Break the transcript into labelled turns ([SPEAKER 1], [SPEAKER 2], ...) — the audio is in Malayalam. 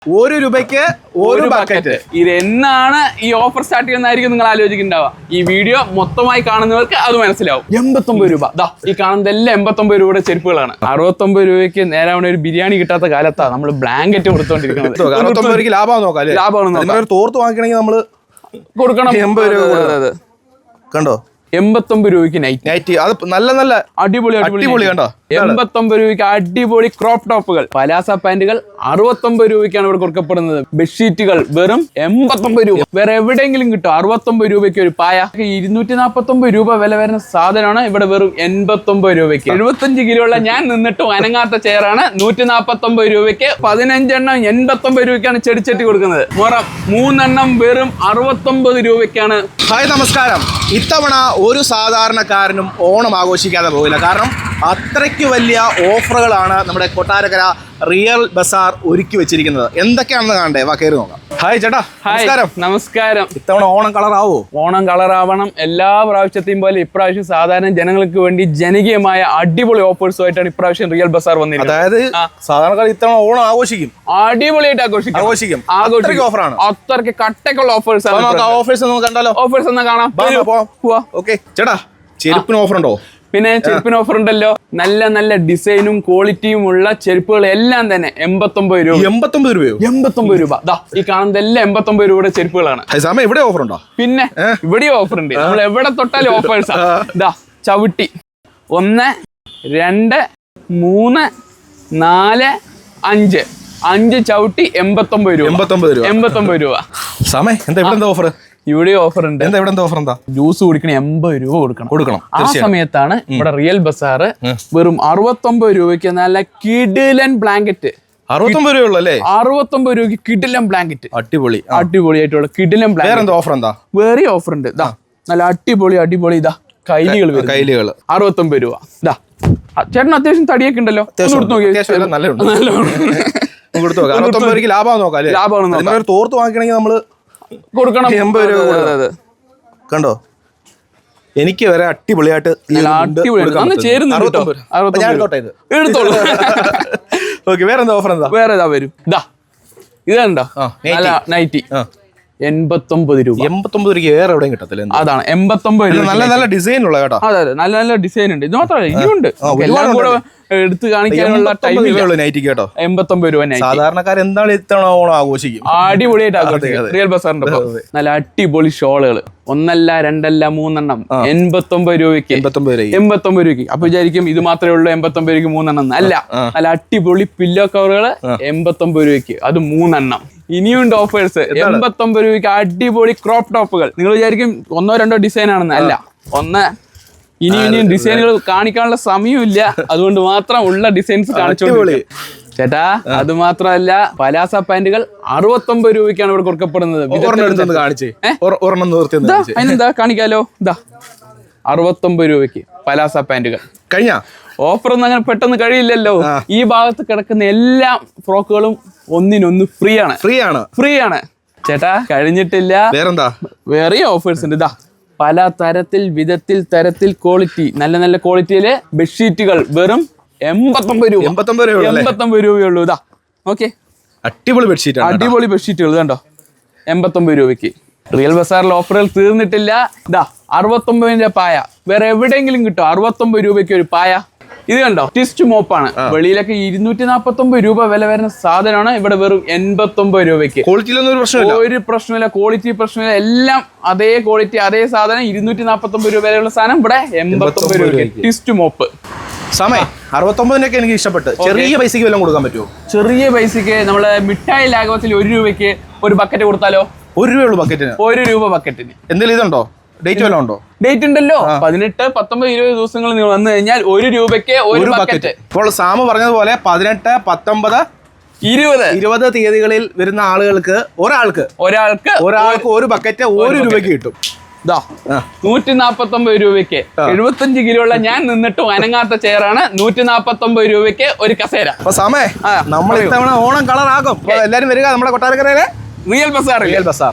[SPEAKER 1] 1 രൂപയ്ക്ക് ഒരു ബക്കറ്റ്.
[SPEAKER 2] ഇത് എന്നാണ് ഈ ഓഫർ സ്റ്റാർട്ട് ചെയ്യുന്നതായിരിക്കും നിങ്ങൾ ആലോചിക്കുന്നുണ്ടാവുക. ഈ വീഡിയോ മൊത്തമായി കാണുന്നവർക്ക് അത് മനസ്സിലാവും. 89 രൂപ. ഈ കാണുന്നതെല്ലാം 89 രൂപയുടെ ചെരുപ്പുകളാണ്. 69 രൂപയ്ക്ക് നേരാവണ ഒരു ബിരിയാണി കിട്ടാത്ത കാലത്താണ് നമ്മൾ ബ്ലാങ്കറ്റ് കൊടുത്തോണ്ടിരിക്കുന്നത്.
[SPEAKER 1] 69 രൂപയ്ക്ക് ലാഭമാണ് നോക്കാം. ലാഭമാണ്. തോർത്ത് വാങ്ങിക്കണമെങ്കിൽ നമ്മൾ കൊടുക്കണം 80 രൂപ. കണ്ടോ
[SPEAKER 2] 89 രൂപയ്ക്ക് നൈറ്റി.
[SPEAKER 1] അത് നല്ല
[SPEAKER 2] അടിപൊളി
[SPEAKER 1] കണ്ടോ.
[SPEAKER 2] 89 രൂപയ്ക്ക് അടിപൊളി ക്രോപ്പ് ടോപ്പുകൾ, പലാസ പാന്റുകൾ 69 രൂപയ്ക്കാണ് ഇവിടെ കൊടുക്കപ്പെടുന്നത്. ബെഡ്ഷീറ്റുകൾ വെറും 89 രൂപ. വേറെ എവിടെയെങ്കിലും കിട്ടും 69 രൂപയ്ക്ക് ഒരു പായ. 249 രൂപ വില വരുന്ന സാധനമാണ് ഇവിടെ വെറും 89 രൂപയ്ക്ക്. 75 കിലോ ഉള്ള ഞാൻ നിന്നിട്ട് അനങ്ങാത്ത ചെയറാണ് 149 രൂപയ്ക്ക്. 15 എണ്ണം 89 രൂപയ്ക്കാണ് ചെടിച്ചട്ടി കൊടുക്കുന്നത്. മുറം 3 എണ്ണം വെറും 69 രൂപയ്ക്കാണ്.
[SPEAKER 1] ഹായ്, നമസ്കാരം. ഇത്തവണ ഒരു സാധാരണക്കാരനും ഓണം ആഘോഷിക്കാതെ പോകില്ല. കാരണം അത്രയ്ക്ക് വലിയ ഓഫറുകളാണ് നമ്മുടെ കൊട്ടാരക്കര റിയൽ ബസാർ ഒരുക്കി വെച്ചിരിക്കുന്നത്. എന്തൊക്കെയാണെന്ന് കാണണ്ടേ? വാ, കയറി നോക്കാം. ഹായ് ചേട്ടാ,
[SPEAKER 2] നമസ്കാരം.
[SPEAKER 1] ഇത്തവണ ഓണം കളറാവോ?
[SPEAKER 2] ഓണം കളറാവണം. എല്ലാ പ്രാവശ്യത്തെയും പോലെ ഇപ്രാവശ്യം സാധാരണ ജനങ്ങൾക്ക് വേണ്ടി ജനകീയമായ അടിപൊളി ഓഫേഴ്സുമായിട്ടാണ് ഇപ്രാവശ്യം റിയൽ ബസാർ വന്നിരിക്കുന്നത്.
[SPEAKER 1] അതായത് സാധാരണക്കാർ ഇത്തവണ ഓണം ആഘോഷിക്കും,
[SPEAKER 2] അടിപൊളിയായിട്ട് ആഘോഷിക്കും.
[SPEAKER 1] ഓഫറാണ്,
[SPEAKER 2] അത്രയ്ക്ക് കട്ടക്കുള്ള ഓഫേഴ്സ്.
[SPEAKER 1] ഓഫേഴ്സ് ഒന്ന് കണ്ടാലോ?
[SPEAKER 2] ഓഫേഴ്സ് ഒന്ന് കാണാം.
[SPEAKER 1] ഓക്കെ ചേട്ടാ, ചെരുപ്പിന് ഓഫർ ഉണ്ടോ?
[SPEAKER 2] പിന്നെ ചെരുപ്പിന് ഓഫർ ഉണ്ടല്ലോ. നല്ല ഡിസൈനും ക്വാളിറ്റിയും ഉള്ള ചെരുപ്പുകൾ എല്ലാം തന്നെ 89 രൂപ. 89 രൂപ. ഈ കാണുന്നതെല്ലാം 89 രൂപയുടെ ചെരുപ്പുകളാണ്.
[SPEAKER 1] ഇവിടെ ഓഫർ ഉണ്ടോ? പിന്നെ
[SPEAKER 2] ഇവിടെയും ഓഫർ ഉണ്ട്. നമ്മൾ എവിടെ തൊട്ടാലും ഓഫേഴ്സാ. ചവിട്ടി 1 2 3 4 5 5 ചവിട്ടി 89 രൂപ. 89 രൂപ.
[SPEAKER 1] എന്താ ഓഫർ?
[SPEAKER 2] ഇവിടെ ഓഫർ ഉണ്ട്. ജ്യൂസ് കുടിക്കണ 80 രൂപ കൊടുക്കണം. ആ സമയത്താണ് ഇവിടെ റിയൽ ബസാർ വെറും 69 രൂപയ്ക്ക് നല്ല കിടിലൻ ബ്ലാങ്കറ്റ്.
[SPEAKER 1] 69 രൂപയുള്ളൂ.
[SPEAKER 2] 69 രൂപയ്ക്ക് കിടിലൻ ബ്ലാങ്കറ്റ്.
[SPEAKER 1] അടിപൊളിയായിട്ടുള്ള
[SPEAKER 2] കിടിലൻ ബ്ലാങ്കറ്റ്.
[SPEAKER 1] ഓഫർ എന്താ?
[SPEAKER 2] വേറെ ഓഫർ ഉണ്ട്. നല്ല അടിപൊളി കൈലികൾ 69 രൂപ. ചേട്ടൻ അത്യാവശ്യം തടിയൊക്കെ ഉണ്ടല്ലോ.
[SPEAKER 1] ലാഭമാണ്. തോർത്ത് വാങ്ങിക്കണമെങ്കിൽ നമ്മള് കൊടുക്കണം 80 രൂപ. കണ്ടോ, എനിക്ക് വരെ അടിപൊളിയായിട്ട് വേറെന്താ ഓഫർ?
[SPEAKER 2] വേറെ വരും. ഇതുണ്ടോ നൈറ്റി 89 രൂപ.
[SPEAKER 1] 89 രൂപയ്ക്ക് വേറെ എവിടെയും കിട്ടത്തില്ല.
[SPEAKER 2] അതാണ് 89 രൂപ.
[SPEAKER 1] നല്ല ഡിസൈൻ ഉള്ള കേട്ടോ.
[SPEAKER 2] അതെ, നല്ല ഡിസൈൻ ഉണ്ട്. ഇത് മാത്രമല്ല, ഇനിയുണ്ട്. എല്ലാം കൂടെ എടുത്ത് കാണിക്കാനുള്ള ടൈം
[SPEAKER 1] നൈറ്റി കേട്ടോ.
[SPEAKER 2] 89 രൂപ.
[SPEAKER 1] സാധാരണക്കാർ എന്താണ് ഇത്തവണ ഓണം ആഘോഷിക്കും?
[SPEAKER 2] അടിപൊളിയായിട്ട് ആഘോഷിക്കും റിയൽ ബസാറിന്റെ. നല്ല അടിപൊളി ഷോളുകൾ 1 2 3 എണ്ണം 89 രൂപയ്ക്ക്. 89 രൂപയ്ക്ക്. അപ്പൊ വിചാരിക്കും ഇത് മാത്രമേ ഉള്ളൂ 89 രൂപയ്ക്ക് 3 എണ്ണം. അല്ല, നല്ല അടിപൊളി പില്ലോ കവറുകൾ 89 രൂപയ്ക്ക്. അത് 3 എണ്ണം. ഇനിയുണ്ട് ഓഫേഴ്സ്. 89 രൂപയ്ക്ക് അടിപൊളി ക്രോപ്പ് ടോപ്പുകൾ. നിങ്ങൾ വിചാരിക്കും 1 2 ഡിസൈൻ ആണെന്ന്. അല്ല, ഇനിയും ഡിസൈനുകൾ കാണിക്കാനുള്ള സമയമില്ല. അതുകൊണ്ട് മാത്രം ഉള്ള ഡിസൈൻസ് കാണിച്ചോളൂ ചേട്ടാ. അത് മാത്രമല്ല, പലാസ പാന്റുകൾ 69 രൂപയ്ക്കാണ് ഇവിടെ കൊടുക്കപ്പെടുന്നത്. അതിനെന്താ കാണിക്കാലോ. 69 രൂപയ്ക്ക് പലാസ പാന്റുകൾ.
[SPEAKER 1] കഴിഞ്ഞ
[SPEAKER 2] ഓഫർ ഒന്നും അങ്ങനെ പെട്ടെന്ന് കഴിയില്ലല്ലോ. ഈ ഭാഗത്ത് കിടക്കുന്ന എല്ലാ ഫ്രോക്കുകളും ഒന്നിനൊന്ന് ഫ്രീ ആണ് ചേട്ടാ. കഴിഞ്ഞിട്ടില്ല, വേറെ ഓഫേഴ്സ് ഉണ്ട്. പല തരത്തിൽ ക്വാളിറ്റി, നല്ല ക്വാളിറ്റിയില് ബെഡ്ഷീറ്റുകൾ വെറും 89 രൂപ. 89 രൂപയുള്ളൂ. ഓക്കെ, അടിപൊളി ബെഡ്ഷീറ്റുകൾ കണ്ടോ 89 രൂപയ്ക്ക്. റിയൽ ബസാറിൽ ഓഫറുകൾ തീർന്നിട്ടില്ല. 69 പായ വേറെ എവിടെയെങ്കിലും കിട്ടും. 69 രൂപയ്ക്ക് ഒരു പായ. ഇത് കണ്ടോ, ട്വിസ്റ്റ് മോപ്പാണ്. വെളിയിലൊക്കെ 249 രൂപ വില വരുന്ന സാധനമാണ് ഇവിടെ വെറും 89 രൂപയ്ക്ക്. ഒരു പ്രശ്നമില്ല, ക്വാളിറ്റി പ്രശ്നമില്ല. എല്ലാം അതേ ക്വാളിറ്റി, അതേ സാധനം. 249 രൂപ വിലയുള്ള സാധനം ഇവിടെ 89 രൂപയ്ക്ക്. Twist mop.
[SPEAKER 1] 69 എനിക്ക് ഇഷ്ടപ്പെട്ടു. ചെറിയ പൈസക്ക് വല്ലതും കൊടുക്കാൻ പറ്റുമോ?
[SPEAKER 2] ചെറിയ പൈസക്ക് നമ്മള് മിഠായി ലാഘവത്തിൽ 1 രൂപയ്ക്ക് ഒരു ബക്കറ്റ് കൊടുത്താലോ?
[SPEAKER 1] 1 രൂപയുള്ളൂ ബക്കറ്റിന്.
[SPEAKER 2] 1 രൂപ ബക്കറ്റിന്.
[SPEAKER 1] എന്തെങ്കിലും ഇതുണ്ടോ? ഡേറ്റ് വല്ലതും ഉണ്ടോ?
[SPEAKER 2] ഡേറ്റ് ഉണ്ടല്ലോ. 18 19 20 ദിവസങ്ങൾ നിങ്ങൾ വന്നു കഴിഞ്ഞാൽ 1 രൂപയ്ക്ക് ഒരു ബക്കറ്റ്.
[SPEAKER 1] ഇപ്പോൾ സാമു പറഞ്ഞതുപോലെ 18 19 20 തീയതികളിൽ വരുന്ന ആളുകൾക്ക് ഒരാൾക്ക് ഒരു ബക്കറ്റ് 1 രൂപയ്ക്ക് കിട്ടും.
[SPEAKER 2] 149 രൂപയ്ക്ക്. 75 കിലോ ഉള്ള ഞാൻ നിന്നിട്ട് അനങ്ങാത്ത ചെയറാണ് 149 രൂപയ്ക്ക് ഒരു കസേര.
[SPEAKER 1] അപ്പൊ സമയം നമ്മൾ ഇത്തവണ ഓണം കളറാക്കും. എല്ലാരും വരിക നമ്മുടെ കൊട്ടാരക്കരയിലെ റിയൽ ബസാർ.